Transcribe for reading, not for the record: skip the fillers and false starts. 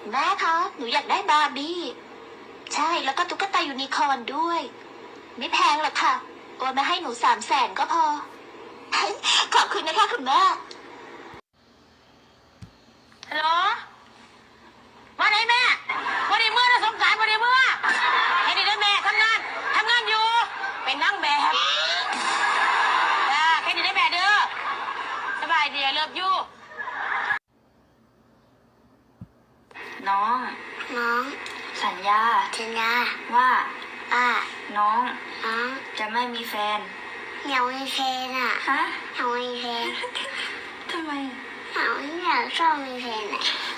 แม่คะหนูอยากได้บาร์บี้ใช่แล้วก็ตุ๊กตายูนิคอร์นด้วยไม่แพงหรอกค่ะโอนมาให้หนู300,000ก็พอขอบคุณนะคะคุณแม่ฮัลโหลมาไหนแม่วันนี้เมื่อนะสงกรานต์วันนี้เมื่อเห็นดีได้แม่ทำงานอยู่เป็นนั่งแบบเห็นดีได้แม่เด้อสบายดีเลิฟยูน้องสัญญาว่าน้องจะไม่มีแฟนอยากมีแฟนอ่ะฮะอยากมีแฟนทำไมอยากชอบมีแฟนอ่ะ